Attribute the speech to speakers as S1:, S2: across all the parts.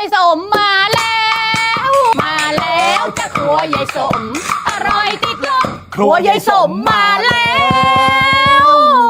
S1: ายสมมาแล้วมาแล้วจะครัวยายสมอร่อยติดลมครัวยายสมมาแล้ว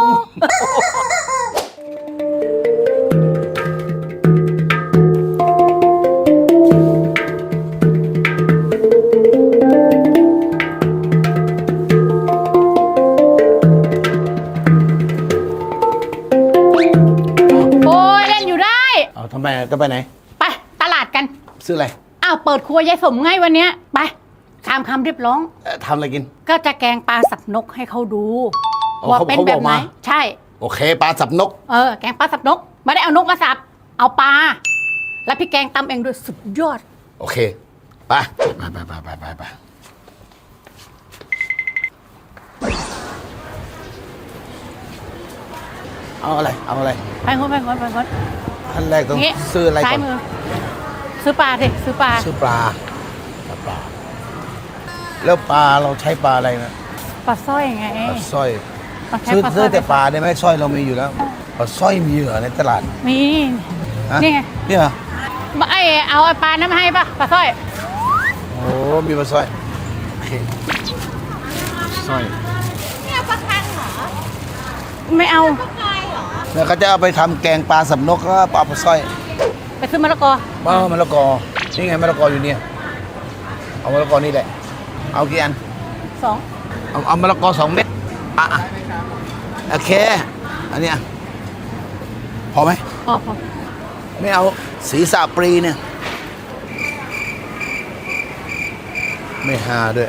S2: เอาทำไมจะไปไหน
S1: ไปตลาดกัน
S2: ซื้ออะไร
S1: อ้าวเปิดครัวยายสมไงวันเนี้ยไปตามคำเรียบร้อง
S2: ทำอะไรกิน
S1: ก็จะแกงปลาสับนกให้เขาดูว่าเป็นแบบไหนใช่
S2: โอเคปลาสับนก
S1: แกงปลาสับนกไม่ได้เอานกมาสับเอาปลาแล้วพี่แกงตำเองด้วยสุดยอด
S2: โอเคไปเอาอะไร
S1: ไปคน
S2: ท่านแรกต้องซื้ออะไรก่อน
S1: ซื้อปลาดิซื้อปลา
S2: แล้วปลาเราใช้ปลาอะไรนะ
S1: ปลาสร้อยไง
S2: ปลาสร้อยซื้อแต่ปลาได้ไหมสร้อยเรามีอยู่แล้วปลาสร้อยมีเหรอในตลาด
S1: มีนี่ไง
S2: นี่เหรอ
S1: เอาปลานั้นมาให้ป่ะปลาสร้อย
S2: โอ้มีปลาสร้อยสร้อย
S3: เนี่ยปลาคังเหรอ
S1: ไม่เอา
S3: ปลากายเหรอ
S2: แล้วเขาจะเอาไปทำแกงปลาสับนกก็ปลาสร้อย
S1: ไปซื้อมะละกอ
S2: มะละกอนี่ไงมะละกออยู่เนี่ยเอามะละกอนี่แหละเอากี่อัน
S1: 2
S2: เอามะละกอ2 เม็ดโอเคอันนี้พอไหม
S1: พอ
S2: ไม่เอาศีรษะปรีเนี่ยไม่หาด้วย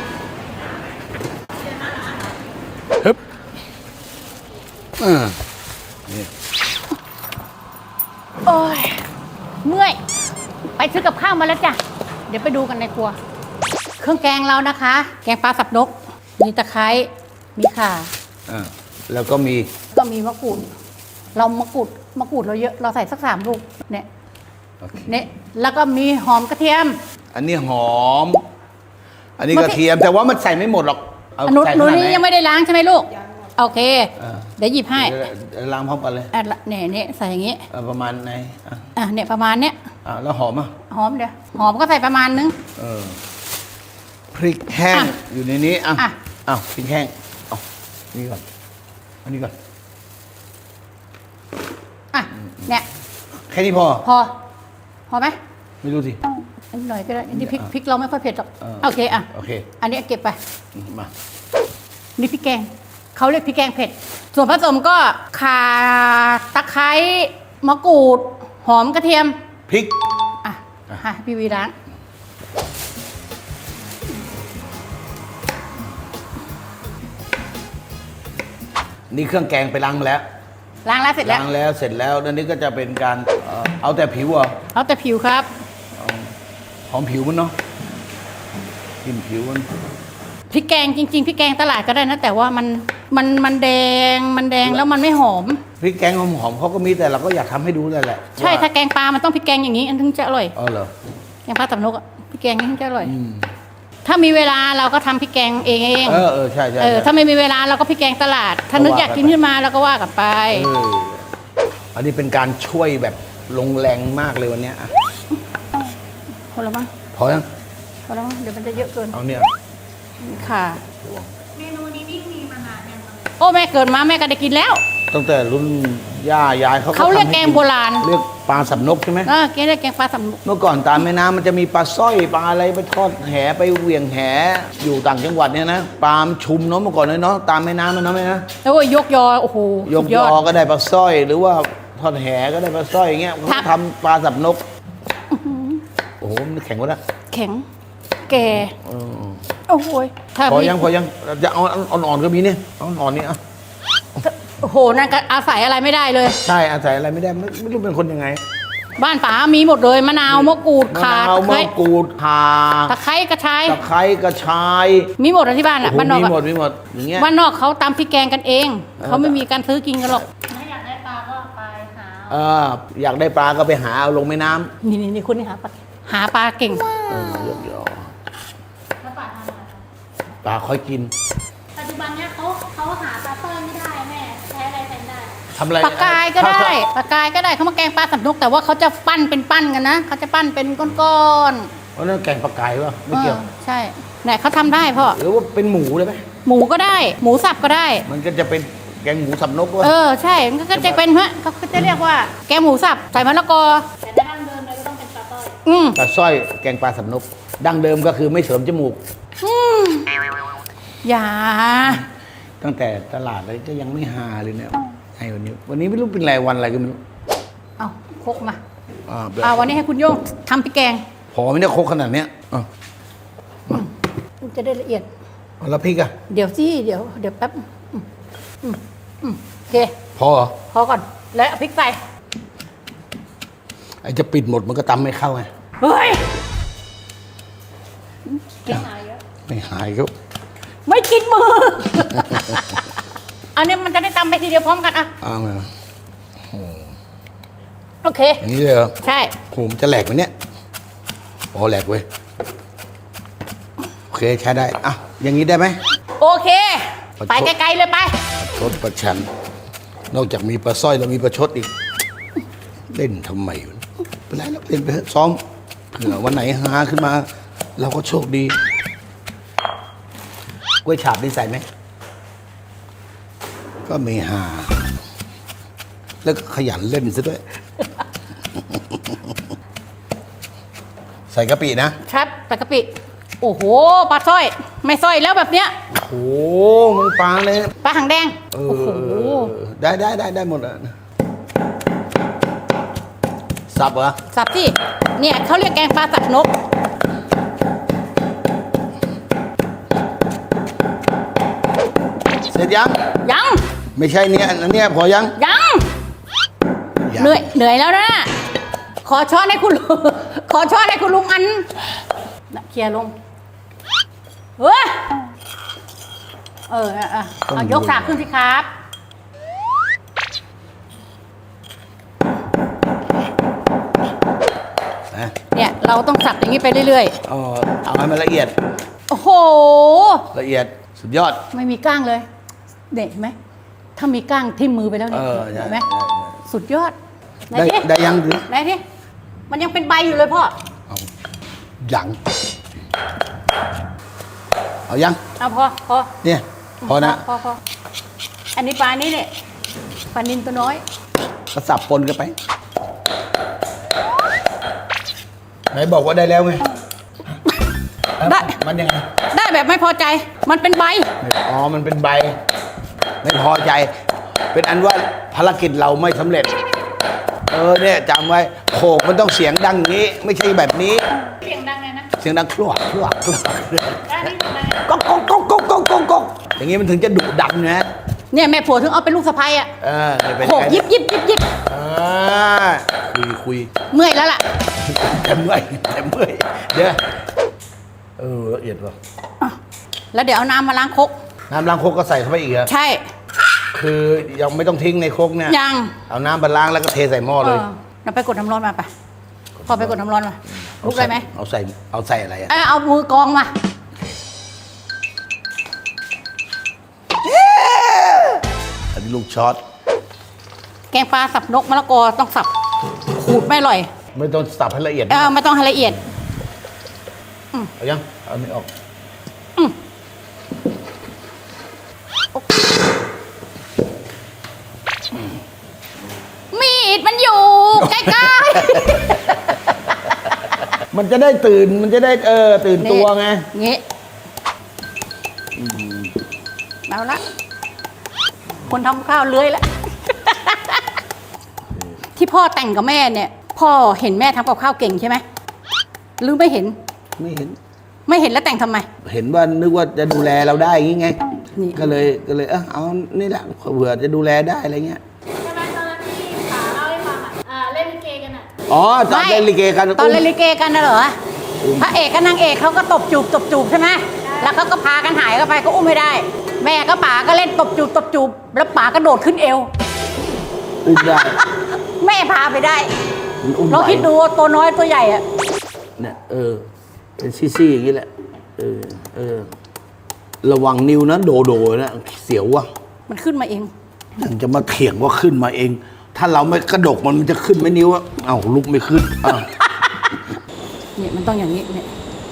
S2: ฮึบนี่
S1: โอ้ยเมื่อยไปซื้อกับข้าวมาแล้วจ้ะเดี๋ยวไปดูกันในครัวเครื่องแกงเรานะคะแกงปลาสับนกมีตะไคร้มีข่า
S2: แล้วก็มี
S1: มะกรูดเรามะกรูดเราเยอะเราใส่สัก3 ลูกเนี่ยแล้วก็มีหอมกระเทียม
S2: อันนี้หอมอันนี้กระเทียมแต่ว่ามันใส่ไม่หมดหรอก
S1: หนูนี้ยังไม่ได้ล้างใช่ไหมลูกโอเคเดี๋ยวหยิบให้
S2: ล้างพร้อมกันเลย
S1: เนี่ยใส่อย่างงี้
S2: ประมาณไหน
S1: เนี่ยประมาณเนี้ย
S2: แล้วหอม
S1: หอมเดี๋ยวหอมก็ใส่ประมาณนึง
S2: พริกแห้งอยู่ในนี้พริกแห้งนี่ก่อนอันนี้ก่อน
S1: เนี่ย
S2: แค่นี้พ
S1: อไหม
S2: ไม่รู้สิ
S1: อันหน่อยก็ได้อันนี้พริกเราไม่ค่อยเผ็ดหรอกโอเคอันนี้เก็บไป
S2: มา
S1: นี่พริกแกงเขาเรียกพริกแกงเผ็ดส่วนผสมก็ข่าตะไคร้มะกรูดหอมกระเทียม
S2: พริก
S1: พี่วีล้าง
S2: นี่เครื่องแกงไปล้างมาแล้ว
S1: เสร็จ
S2: แล้วนั่นนี่ก็จะเป็นการเอาแต่ผิว
S1: เอาแต่ผิวครับ
S2: หอมผิวมันเนาะกินผิวมัน
S1: พริกแกงจริงๆพริกแกงตลาดก็ได้นะแต่ว่ามันแดงแล้วมันไม่หอม
S2: พริกแกงหอมเขาก็มีแต่เราก็อยากทำให้ดูนั่นแหละ
S1: ใช่ถ้าแกงปลามันต้องพริกแกงอย่างนี้อันถึงจะอร่อย
S2: เหรอ
S1: แกงปลาสับนกพริกแกงนี่ถึงจะอร่อยถ้ามีเวลาเราก็ทำพริกแกงเอง
S2: ใช่
S1: ถ้าไม่มีเวลาเราก็พริกแกงตลาดถ้านึกอยากกินขึ้นมาเราก็ว่ากันไป
S2: อันนี้เป็นการช่วยแบบลงแรงมากเลยวันนี้
S1: พอแล้วมั้ง
S2: พอยัง
S1: พอแล้วมั้งเดี๋ยวมันจะเยอะเกิน
S2: เอาเนี่ย
S1: ค่ะ
S3: เมนูนี้นี่มีมานานยัง
S1: โอ้แม่เกิดมาแม่ก็ได้กินแล้ว
S2: ตั้งแต่รุ่นย่ายาย
S1: เขาเรียกแกงโบราณ
S2: เรียกปลาสับนกใช่ไหม
S1: แกงเรียกแกงปลาสับนก
S2: เมื่อก่อนตามแม่น้ำมันจะมีปลาสร้อยปลาอะไรไปทอดแหไปเหวี่ยงแหอยู่ต่างจังหวัดเนี่ยนะปลาชุมเนาะเมื่อก่อนเนาะตามแม่น้ำมันนะแม่นะ
S1: แล้วยกยอโอ้โห
S2: ยกยอก็ได้ปลาสร้อยหรือว่าทอดแหก็ได้ปลาสร้อยอย่างเงี้ยเขาทำปลาสับนกโอ้โหมันแข็งวะนะ
S1: แข็งแก่โอ้โห
S2: พอยังจะเอาอ่อนๆก็มีเนี่ยอ่อนๆนี่
S1: โอ้โหนั่นก็อาศัยอะไรไม่ได้เลย
S2: ใช่อาศัยอะไรไม่ได้ไม่รู้เป็นคนยังไง
S1: บ้านป๋ามีหมดเลยมะนาวมะกรูดข่า
S2: ตะ
S1: ไคร้กระชายมีหมดที่บ้านบ้านนอก
S2: มีหมดอย่างเงี้ย
S1: บ้านนอกเขาตำพริกแกงกันเองเขาไม่มีการซื้อกินกันหรอก
S3: ถ้าอยากได้ปลาก็ไปหา
S2: อยากได้ปลาก็ไปหาเอาลงแม่น้ำ
S1: นี่คุณนี่หาปลาเก่ง
S2: ปลาค่อยกิน
S3: ปัจจุบันเนี้ยเขาหาปลาสร้อยไม่ได้แม่ใช้อะไรแทนได้
S2: ทำอะไร
S1: ปลากายก็ได้ปลากายก็ได้เขามาแกงปลาสับนกแต่ว่าเขาจะปั้นเป็นปั้นกันนะเขาจะปั้นเป็นก้อน
S2: เพราะนั่นแกงปลากายวะ
S1: ๆ
S2: ไม่เกี่ยว
S1: ใช่ไหนเขาทำได้พ่อ
S2: หรือว่าเป็นหมูได้ไหม
S1: หมูก็ได้ หมูสับก็ได้
S2: มันก็จะเป็นแกงหมูสับนกวะ
S1: ใช่มันก็จะเป็นฮะเขาจะเรียกว่าแกงหมูสับใส่มะละกอ
S3: แต่ถ้าดั้งเดิมเลยก็ต้องเป็นปลาต้อย
S2: ปลาสร้อยแกงปลาสับนก ดั้งเดิมก็คือไม่เสริมจมูก
S1: อย่า
S2: ตั้งแต่ตลาดเลยก็ยังไม่หาเลยเนี่ยไอ้วันนี้ไม่รู้เป็นไรวันอะไรก็ไม่รู้
S1: เอาคกมา
S2: แบบ
S1: วันนี้ให้คุณโย่งทำพริกแกง
S2: พอไหม่ได้ครกขนาดเนี้ยอ่ะ
S1: มันจะได้ละเอียด
S2: เอาแล้วพริกอะ
S1: เดี๋ยวสิเดี๋ยวแป๊บโอเค
S2: พอเหรอ
S1: พอก่อนแล้วเอาพริกใส่
S2: ไอ้จะปิดหมดมันก็ตำไม่เข้าไง
S1: เฮ้ย
S3: ไม่หายเยอะ
S2: ไม่หายก็
S1: ไม่กินมือ อันนี้มันจะได้ตำไปทีเดียวพร้อมกันอ่ะ
S2: เอามา
S1: โอเค
S2: อย่างนี้เลยเหรอ
S1: ใช่
S2: โหมนจะแหลกไหมเนี่ยพอแหลกเว้ยโอเคใช้ได้อ่ะอย่างนี้ได้ไหม
S1: โอเค
S2: ประชด
S1: ไปไกลๆเลยไป
S2: ประชดประชัน นอกจากมีปลาสร้อยแล้วมีประชดอีก เล่นทำไมวะเป็นไรแล้วเล่นไปเถอะซ้อมเผื่อวันไหนหาขึ้นมา เราก็โชคดีกล้วยฉาบนี่ใส่ไหม ก็ไม่หา แล้วก็ขยันเล่นซะด้วย ใส่กะปินะครับ
S1: ใส่กะปิ โอ้โหปลาสร้อย ไม่สร้อยแล้วแบบเนี้ย
S2: โอ้มันปลาเลย
S1: ปลาหางแดง
S2: เอ
S1: โอ้โห
S2: ได้หมดอ่ะสับเหรอ
S1: สับที่เนี่ยเขาเรียกแกงปลาสับนก
S2: เสร็จยัง
S1: ยัง
S2: ไม่ใช่เนี่ยอันเนี้ยพอยัง
S1: ยัง
S2: ยัง
S1: เหนื่อยแล้วนะ ขอช้อนให้คุณลุง ขอช้อนให้คุณลุงอันน่ะเคลียร์ลง เฮ้ย เอายกสากขึ้นสิครับ
S2: นะ
S1: เนี่ยเราต้องสับอย่างนี้ไปเรื่อย
S2: เอาให้มันละเอียด
S1: ๆ โอ้โห
S2: ละเอียดสุดยอด
S1: ไม่มีก้างเลยเด็ดไหม ถ้ามีก้างทิ่มมือไปแล้วเนี่ย
S2: ใช่
S1: เห็นไหม
S2: ใช่
S1: สุดยอดไหน
S2: ได้
S1: ที่
S2: ได้ยังหรือ
S1: ไหนที่มันยังเป็นใบอยู่เลยพ่อ
S2: เอายังเอายัง
S1: เอาพอ
S2: เนี่ยพอนะ
S1: พออันนี้ปลานี้เนี่ยปลานินตัวน้อย
S2: ก็สับปนกันไปไหนบอกว่าได้แล้วไง
S1: ได้
S2: มันยังไง
S1: ได้แบบไม่พอใจ มันเป็นใบ
S2: อ๋อมันเป็นใบ ไม่พอใจ เป็นอันว่าภารกิจเราไม่สำเร็จ เนี่ยจำไว้โขกมันต้องเสียงดังอย่างนี้ ไม่ใช่แบบนี้
S3: เสียงดังเลยนะ
S2: เสียงดังคลวก
S3: ด้านนี้ทำไม
S2: ก๊อกก๊อกก๊อกก๊อกก๊อกก๊อกก๊อกอย่างนี้มันถึงจะดุดันนะ
S1: เนี่ยแม่ผัวถึงเอาเป็นลูกสะใภ้อะ
S2: เนี่ยเป็น
S1: โขก
S2: ไง
S1: ยิบ
S2: คุย
S1: เมื่อยแล้วล่ะ
S2: แต่เมื่อยเดี๋ยวละเอียดว่ะ
S1: แล้วเดี๋ยวเอาน้ำมาล้างครก
S2: น้ำล้างโคกก็ใส่เข้าไปอีกเหรอ
S1: ใช่
S2: คือยังไม่ต้องทิ้งในโคกเนี่ย
S1: ยัง
S2: เอาน้ำมาล้างแล้วก็เทใส่หม้อเลย
S1: เราไปกดน้ำร้อนมาไปพอไปกดน้ำร้อนมาลุกได้ไหม
S2: เอาใส่อะไรอ่ะ
S1: เอามือกองมา
S2: อันนี้ลูกช็อต
S1: แกงปลาสับนกมะละกอต้องสับขูดไม่อร่อย
S2: ไม่ต้องสับให้ละเอียด
S1: ไม่ต้องให้ละเอียด
S2: เอายังเอาไม่ออก
S1: มีดมันอยู่ ใกล้
S2: มันจะได้ตื่นมันจะได้ตื่น
S1: ๆ
S2: ตัวไง
S1: งี้เอาละคนทำข้าวเลื้อยแล้ว ที่พ่อแต่งกับแม่เนี่ย พ่อเห็นแม่ทำกับข้าวเก่งใช่ไหมหรือไม่เห็น
S2: ไม่เห็น
S1: ไม่เห็นแล้วแต่งทำไม
S2: เห็นว่านึกว่าจะดูแลเราได้อย่างงี้ไง
S1: นี่
S2: ก็เลยเอานี่แหละเผื่อจะดูแลได้อะไรเงี้ย
S3: ใช่ไหมตอนนั้นที่ป๋าเล่าให้ฟังเล่นลิเกกันอ่ะ
S2: อ๋อตอนเล่นลิเกกัน
S1: ตอนเล่นลิเกกันนะเหรอพระเอกกับนางเอกเขาก็ตบจูบใช่ไหมแล้วเขาก็พากันหายเข้าไปก็อุ้มไม่ได้ แม่ก็ป๋าก็เล่นตบจูบแล้วป๋าก็โดดขึ้นเอว
S2: อุ้มได้
S1: แม่พาไปได้
S2: มันอุ้ม
S1: เรา
S2: ไหว
S1: คิดดูว่าตัวน้อยตัวใหญ่อะ
S2: เนี่ยเป็นซี่ๆอย่างนี้แหละระวังนิ้วนะโดนะเสียวว่ะ
S1: มันขึ้นมาเอง
S2: ยังจะมาเถียงว่าขึ้นมาเอง ถ้าเราไม่กระดกมันจะขึ้นไหมนิ้วอะเอ้าลุกไม่ขึ้นอ้าว
S1: เนี่ยมันต้องอย่างนี้เนี่ย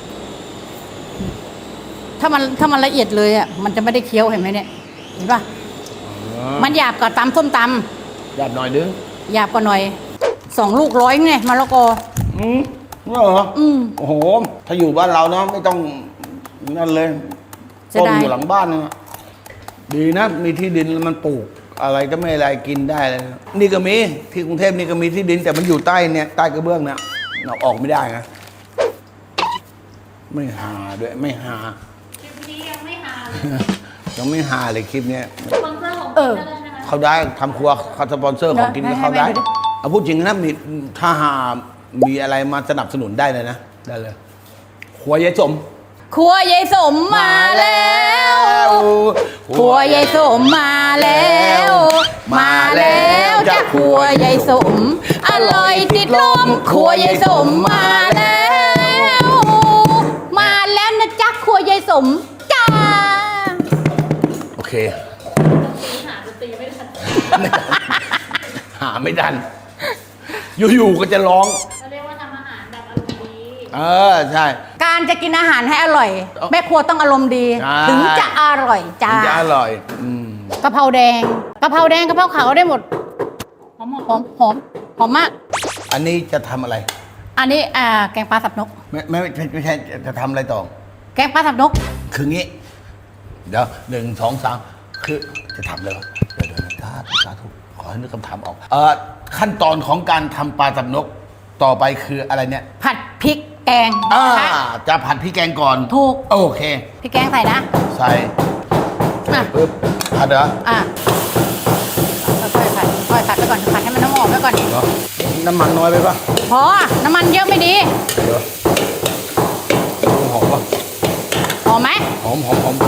S1: ถ้ามันละเอียดเลยอ่ะมันจะไม่ได้เคี้ยวเห็นไหมเนี่ยเห็นป่ะมันหยาบกว่าตำส้มต
S2: หยาบหน่อยนึง
S1: ำหยาบกว่าหน่อย2 ลูก100ไงมะละกอ
S2: เหรอโอ้โห ถ้าอยู่บ้านเราเนาะไม่ต้องนั่นเลย
S1: จะ
S2: ต้น
S1: ได้
S2: อยู่หลังบ้านนะดีนะ มีที่ดินแล้วมันปลูก อะไรก็ไม่อะไรกินได้เลยนะนี่ก็มีที่กรุงเทพนี่ก็มีที่ดิน แต่มันอยู่ใต้เนี่ยใต้กระเบื้องเนี่ยเราออกไม่ได้นะไม่หาด้วยไม่หา
S3: คลิปนี้ยังไม่หาเลย
S2: ยังไม่หาเลยคลิปเนี้ย
S3: สปอนเซอร์ของกินได้แล้วใช่ไหม
S2: เขาได้ทำครัวเขาสปอนเซอร์ของกินก็เขาได้เอาพูดจริงนะมีถ้าหามีอะไรมาสนับสนุนได้เลยนะได้เลยครัวยายสม
S1: ครัวยายสมมาแล้วครัวยายสมมาแล้วมาแล้วจ้ะครัวยายสมอร่อยติดลมครัวยายสมมาแล้วมาแล้วนะจ๊ะครัวยายสมจ้า
S2: โอเค
S3: หาดนตรีไม่ทัน
S2: หาไม่ทัน อยู่ๆก็จะร้อง
S3: เราเรียกว่าทำอาหารแบบอารมณ์ดี
S2: ใช่
S1: การจะกินอาหารให้อร่อย แม่ครัวต้องอารมณ์ดี
S2: ใช่
S1: ถึงจะอร่อยจ้า
S2: มันจะอร่อย
S1: กะเพราแดงกะเพราแดงกะเพราขาวได้หมดหอมหอมมาก
S2: อันนี้จะทำอะไร
S1: อันนี้แกงปลาสับนก
S2: ไม่ใช่จะทำอะไรต่อ
S1: แกงปลาสับนก
S2: คืองี้ เดี๋ยว1 2 3คือจะทำเลยวะเดี๋ยวสาธุขอให้นึกคำถามออกขั้นตอนของการทำปลาสับนกต่อไปคืออะไรเนี่ย
S1: ผัดพริกแกง
S2: จะผัดพริกแกงก่อน
S1: ถูก
S2: โอเค
S1: พริกแกงใส่นะ
S2: ใส่
S1: อ่ะ
S2: ปึ๊บผัดเหรอ
S1: ค่อยๆผัดค่อยๆผัดไปก่อนผัดให้มันน้ำหอมไว้ก่อน
S2: เหรอน้ำมันน้อยไปปะ
S1: พอน้ำมันเยอะไม่ดี
S2: เดี๋ยวหอมปะ
S1: หอมไหม
S2: หอม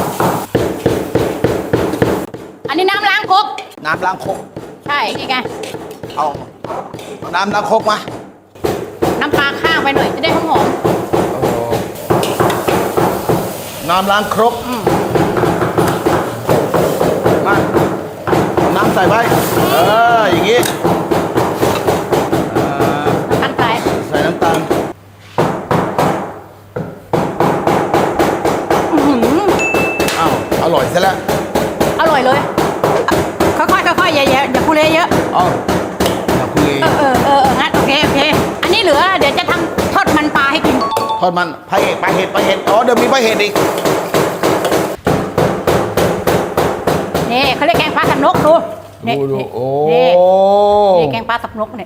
S1: อันนี้น้ำล้างครก
S2: น้ำล้างครก
S1: ใช่นี่ไง
S2: เอาน้ำล้างครกมา
S1: น้ำปลาข้างไปหน่อยจะได้หอม
S2: น้ำล้างครกมาเอาน้ำใส่ไปอย่างงี้
S1: ๆขั้นไป
S2: ใส่น้ำตาลอ้าวอร่อยซะแล้ว
S1: อร่อยเลยค่อยๆอย่าคุเรเยอะ
S2: อ๋ออย่าคุย
S1: งั้นโอเคอันนี้เหลือเดี๋ยวจะทำทอดมันปลาให้กิน
S2: ทอดมันปลาเห็ดอ๋อเดี๋ยวมีปลาเห็ดอีก
S1: นี่เขาเรียกแกงปลาสับนกดูนี่
S2: ดูโอ้
S1: นี่แกงปลาสับนกเนี่ย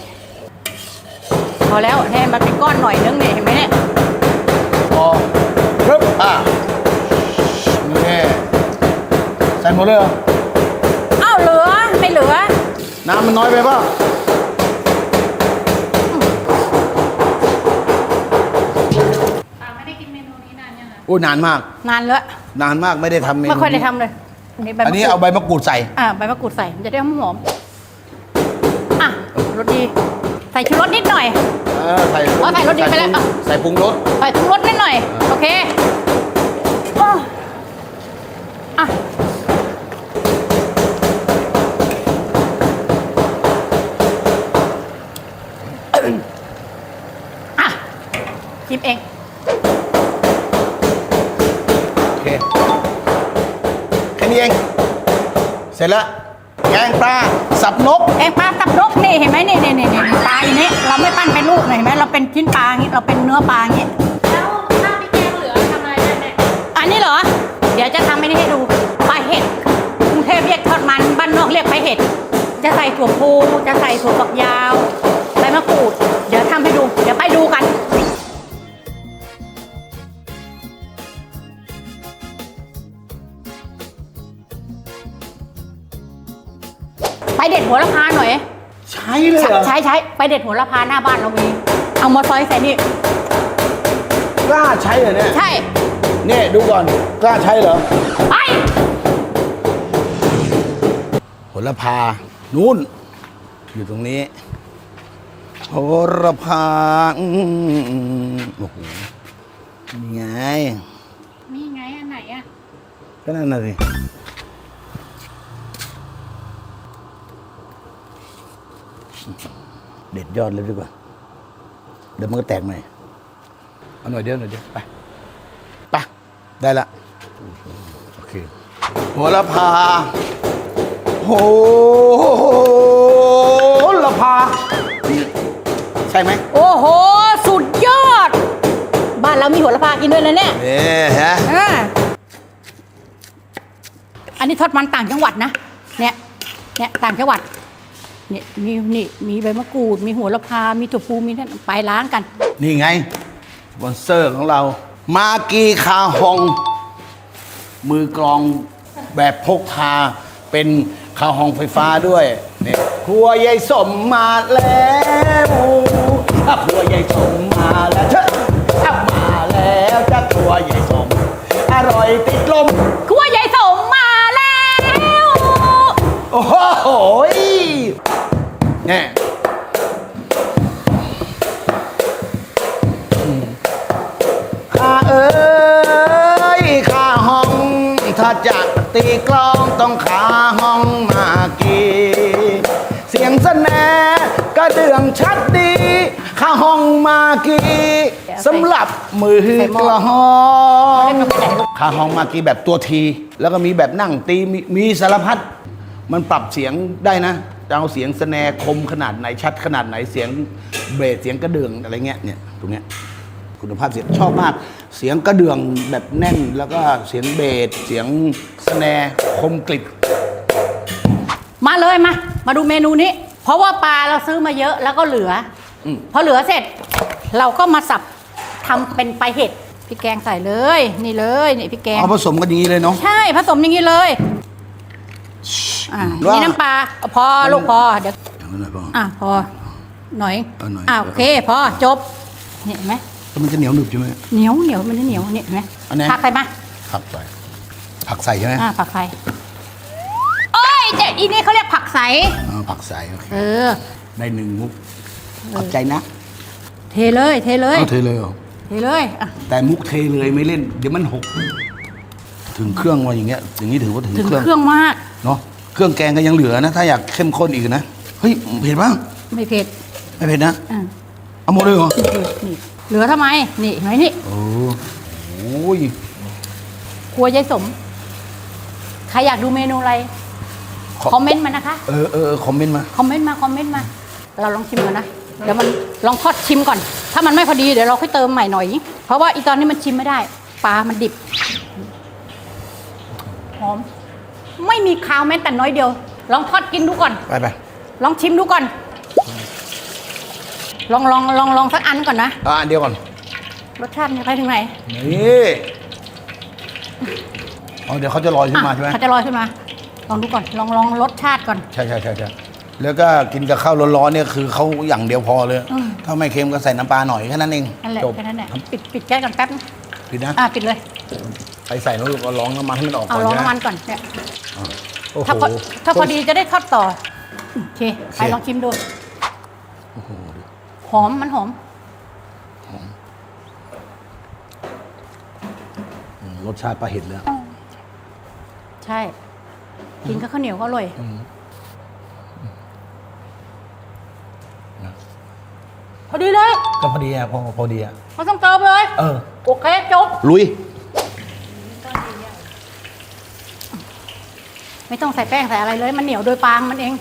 S1: พอแล้วให้มันเป็นก้อนหน่อยนึงเนี่ยเห็นไหมเนี่ย
S2: พอปึ๊บนี่ใส่หมดเลยเหรอ
S1: อ้าวเหลือไม่เหลือ
S2: น้ำมันน้อยไปเปล่า
S3: ปาไม่ได้กินเมนูนี้นานยังอ่ะ
S2: โอ้นานมาก
S1: นานแล้ว
S2: นานมากไม่ได้ทำเมนู
S1: ไม่ค่อยได้ทำเลยใบ
S2: อันนี้
S1: มะกรูด
S2: เอาใบมะกรูดใส่
S1: ใบมะกรูดใส่มันจะได้หอมรสดีใส่ชูรสนิดหน่อย
S2: ใส่
S1: ใส่รสดีไปแล้ว
S2: ใส่ปรุงรส
S1: ใส่ทุกรสนิดหน่อยโอเคชิมเอง
S2: โอเคแค่นี้เองเสร็จแล้วแกงปลาสับนก
S1: แกงปลาสับนกนี่เห็นไหมนี่ปลาอย่างนี้เราไม่ปั้นเป็นลูกเห็นไหมเราเป็นชิ้นปลาอย่างนี้เราเป็นเนื้อปลาอย่างนี้
S3: แล้วถ้าพี่แกงเหลือทำอะไรได้แม่
S1: อันนี้เหรอ เดี๋ยวจะทำให้นี่ให้ดูปลาเห็ดกรุงเทพเรียกทอดมันบ้านนอกเรียกปลาเห็ดจะใส่ถั่วพูจะใส่ถั่วฝักยาวใบมะกรูดเดี๋ยวทำให้ดูเดี๋ยวไปดูกันไปเด็ดหัวละพาหน่อย
S2: ใช่เลยเหรอ
S1: ใช้ไปเด็ดหัวละพาหน้าบ้านเรามีเอามาซอยใส่นี่
S2: กล้าใช้เหรอเนี่ย
S1: ใช่
S2: เนี่ยดูก่อนกล้าใช้เหรอ
S1: ไป
S2: โหระพานู่นอยู่ตรงนี้โหระพาโอ้โหนี่ไง
S3: นี่ไงอันไหนอ่ะ
S2: ก็นั่นน่ะสิเด็ดยอดเลยดีกว่าเดี๋ยวมันก็แตกหน่อยเอาหน่อยเดียวไปไปได้ละโอเคโหระพาโหระพานี่ใช่ไหม
S1: โอ้โห สุดยอด บ้านเรามีโหระพากินด้วยนะเนี่ย
S2: เนี่ยฮะ
S1: อ่าอันนี้ทอดมันต่างจังหวัดนะ เนี่ยต่างจังหวัด เนี่ยมีใบมะกรูด มีโหระพา มีถั่วพูมีนั่นไปล้างกัน
S2: นี่ไงสปอนเซอร์ของเรา มากีคาฮอง มือกลองแบบพกพาเป็นคาฮองไฟฟ้าด้วยเนี่ยครัวยายสมมาแล้วครัวยายสมมาแล้วเชอะมาแล้วจะครัวยายสมอร่อยติดลม
S1: ครัวยายสมมาแล้ว
S2: โอ้โหเนี่ยข้าเอ้ยข้าห้องถ้าจะตีกลองต้องขาห้องมากีเสียงสแนก็เดืองชัดดีข้าห้องมากีสำหรับมือกลองข้าห้องมากีแบบตัวทีแล้วก็มีแบบนั่งตีมีสารพัดมันปรับเสียงได้นะจะเอาเสียงสแนคมขนาดไหนชัดขนาดไหนเสียงเบสเสียงกระเดื่องอะไรเงี้ยเนี่ยตรงเนี้ยคุณภาพเสียงชอบมากเสียงกระเดื่องแบบแน่นแล้วก็เสียงเบสเสียงสแนคมกริบ
S1: มาเลยมาดูเมนูนี้ เพราะว่าปลาเราซื้อมาเยอะแล้วก็เหลืออ
S2: ม
S1: พอเหลือเสร็จ เราก็มาสับทำเป็นปลาเห็ดพริกแกงใส่เลย นี่เลยนี่พริกแกง
S2: เอาผสมกันอย่างนี้เลยเนาะ
S1: ใช่ผสมอย่างนี้เลย
S2: ว่านี่
S1: นี่น้ำปลาพอลูกพอเดี๋ยว
S2: อย่างนั้นเลยป่ะ
S1: พอหน่อย
S2: เอาหน่อย
S1: โอเคพอจบเนี่ยเห็นไหม
S2: แล้วมันจะเหนียวหนึบใช่ไหม
S1: เหนียวมันจะเหนียวเนี่ยเห็นไหม
S2: อันไหน
S1: ผักใส่มา
S2: ผักใส่ผักใส่ใช่ไหม
S1: ผักใส่โอ้ยแต่อีนี่เขาเรียกผักใส
S2: ผักใส่โอเค ได้หนึ่งมุกขอบใจนะ
S1: เทเลย
S2: เอาเทเลยเหรอ
S1: เทเลยอ่ะ
S2: แต่มุกเทเลยไม่เล่นเดี๋ยวมันหกถึงเครื่องว่าอย่างเงี้ยอย่างนี้ถือว่าถึง
S1: ถึง
S2: เครื่อง
S1: เครื่องมาก
S2: เนาะเครื่องแกงก็ยังเหลือนะ ถ้าอยากเข้มข้นอีกนะเฮ้ยเผ็ดป่ะ
S1: ไม่เผ็ด
S2: ไม่เผ็ดนะ
S1: อ่ะ
S2: เอาหมดเลยเหรอ
S1: นี่เหลือทำไมนี่เห็นไหมนี่
S2: โอ้ย
S1: ครัวยายสมใครอยากดูเมนูอะไร คอมเมนต์มานะคะ
S2: คอมเมนต์มา
S1: คอมเมนต์มาเราลองชิมกันนะเดี๋ยวมันลองทอดชิมก่อน ถ้ามันไม่พอดีเดี๋ยวเราค่อยเติมใหม่หน่อย เพราะว่าอีตอนนี้มันชิมไม่ได้ปลามันดิบหอมไม่มีคาวแม้แต่น้อยเดียว ลองทอดกินดูก่อน
S2: ไป
S1: ลองชิมดูก่อน ลองสักอันก่อนนะ
S2: อันเดียวก่อน
S1: รสชาติมันจะไปถึงไหน
S2: นี่เดี๋ยวเขาจะลอยขึ้นมาใช่ไหม
S1: เขาจะลอยขึ้นมา ลองดูก่อน ลองรสชาติก่อน
S2: ใช่แล้วก็กินกับข้าวร้อนๆเนี่ยคือเขาอย่างเดียวพอเลย
S1: อืม
S2: ถ้าไม่เค็มก็ใส่น้ำปลาหน่อยแค่นั้นเอง
S1: นั่นแหละ
S2: จบ
S1: แค่นั้นแหละปิดแก๊สก่อนแป๊บนึง
S2: ผิดนะ
S1: ปิดเลย
S2: ไปใส่แล้วก็ร้องน้ำมันให้มันออก
S1: เอา
S2: ก่อน
S1: ลอง
S2: ใช่ไหม
S1: น้ำมันก่อนเนี่ย
S2: โอ้โห
S1: ถ้าพอดีจะได้ทอดต่อโอเคไปลองชิมดูหอมมันหอม
S2: รสชาติปลาเห็ดเลย
S1: ใช่ กินกับข้าวเหนียวก็อร่อยพอดีเลย
S2: ก็พอดีอ่ะพอดีอ่ะ
S1: ไม่ต้องเติมเลย โอเคจบ
S2: ลุย
S1: ไม่ต้องใส่แป้งใส่อะไรเลย มันเหนียวโดยปางมันเอง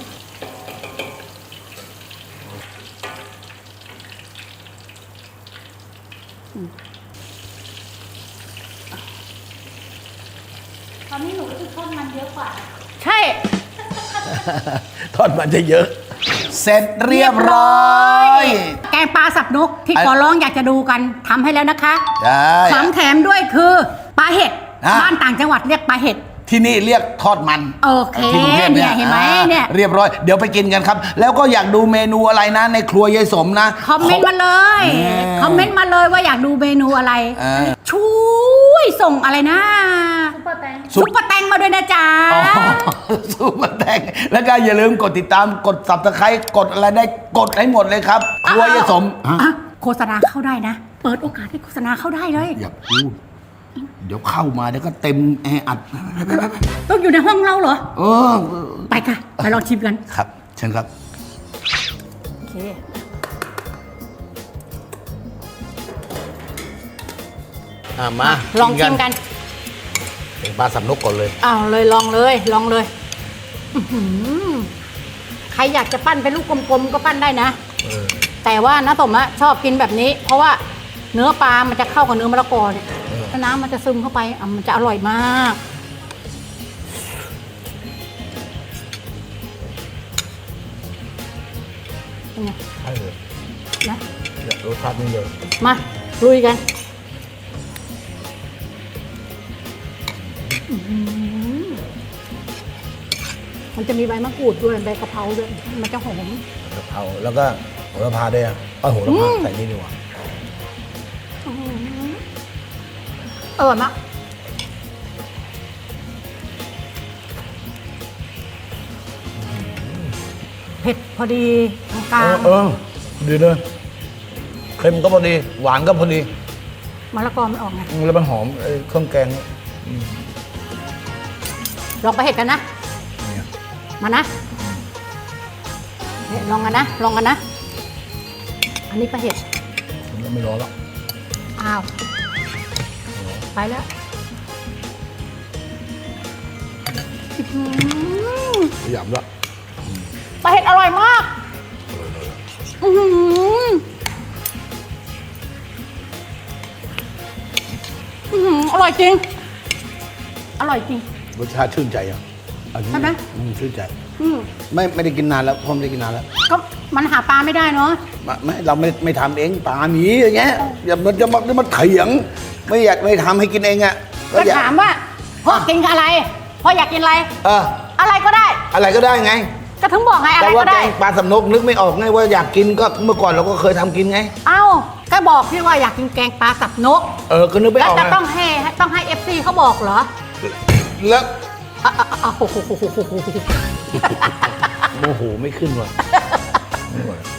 S1: ตอนนี้หนูรู้สึกทอดมันเยอะกว่า ใช่
S2: ทอดมันจะเยอะ เสร็จเรียบร้อย
S1: แกงปลาสับนกที่ขอร้องอยากจะดูกันทำให้แล้วนะคะ
S2: ใช่
S1: ของแถมด้วยคือปลาเห็ด
S2: อ่ะ
S1: บ้านต่างจังหวัดเรียกปลาเห็ด
S2: ที่นี่เรียกทอดมัน
S1: โอเค
S2: ที่กรุงทพ
S1: เนี่ยเห็นไหมเนี่ย
S2: เรียบร้อยเดี๋ยวไปกินกันครับ แล้วก็อยากดูเมนูอะไรนะ ในครัวยายสมนะ
S1: คอมเมนต์มาเลย คอมเมนต์มาเลยว่าอยากดูเมนูอะไร ช่วยส่งอะไรนะ ซุปเปอร์แตงมาด้วยนะจ๊ะ
S2: อ๋อซูเปอร์แตงแล้วก็อย่าลืมกดติดตามกด Subscribe กดอะไรได้กดให้หมดเลยครับ ครัวยายสม
S1: โฆษณาเข้าได้นะ เปิดโอกาสให้โฆษณาเข้าได้เลย
S2: อย่าพูดเดี๋ยวเข้ามาเดี๋ยวก็เต็มแออัด
S1: ต้องอยู่ในห้องเราเหรอ
S2: เออ
S1: ไปค่ะ ไปลองชิมกัน
S2: ครับ เชิญครับ
S1: เค
S2: มา
S1: ลองชิมกัน
S2: เป็นปลาสับนกก่อนเลย
S1: อ้าวเลยลองเลยลองเลยอื้อหือใครอยากจะปั้นเป็นลูกกลมๆก็ปั้นได้นะ แต่ว่าน้าสมอะชอบกินแบบนี้ เพราะว่าเนื้อปลามันจะเข้ากับเนื้อมะละกอเนี่ยแล้วน้ำมันจะซึมเข้าไปอ่ะมันจะอร่อยมากเป็นไง
S2: ใช่เลย
S1: นะ
S2: เนี่ยรสชาตินี่เลย
S1: มาลุยกันอื้อหือมันจะมีใบมะกรูดด้วยใบกะเพราด้วยมันจะหอม
S2: กะเพราแล้วก็โหระพาด้วยโหระพาใส่นี่ดีกว่า
S1: อร่อยมากเผ็ดพอดีกลาง
S2: ดีเลยเค็มก็พอดี หวานก็พอดี
S1: มะละกอมันออกไง
S2: แล้วมันหอมไอ้เครื่องแกงเนี่ย
S1: ลองไปเห็ดกันนะ
S2: เนี่ย
S1: มานะเนี่ยลองกันนะลองกันนะ อันนี้ปลาเห็ด
S2: ผมไม่รอแล้ว
S1: อ้าวไปแล้วอื้อหือ
S2: ขยำแล้ว
S1: ปลาเห็ดอร่อยมากอื้อหืออื้อหืออร่อยจริง อร่อยจริง
S2: รสชาติชื่นใจอ่ะอันนี้
S1: ใช่ไหม
S2: ชื่นใจ
S1: อืม
S2: ไม่ได้กินนานแล้วผมไม่ได้กินนานแล้ว
S1: ก็มันหาปลาไม่ได้เนาะ
S2: ไม่เราไม่ทำเองปลาหมีอย่างเงี้ยอย่ามันจะมาเถียง ไม่อยากไม่ทำให้กินเองอ่ะ
S1: ก็
S2: อยาก
S1: ถามว่าพ่อกินอะไรพ่ออยากกินอะไร
S2: เออ
S1: อะไรก็ได้
S2: อะไรก็ได้ไง
S1: ก็ถึงบอกไงอะไร
S2: แต่ว่า
S1: ก็
S2: แก
S1: ได้
S2: งปลาสำนกนึกไม่ออกไงว่าอยากกินก็เมื่อก่อนเราก็เคยทำกินไง
S1: เอ้าก็บอกพี่ว่าอยากกินแกงปลาสับนก
S2: ก็นึกไม่
S1: แล้
S2: อ
S1: ว
S2: อก
S1: จะ
S2: ไง
S1: ต้องให้ FC เขาบอกเหรอ
S2: แล้ว
S1: โอ้โห
S2: โมโหไม่ขึ้นว่ะไม่ไหว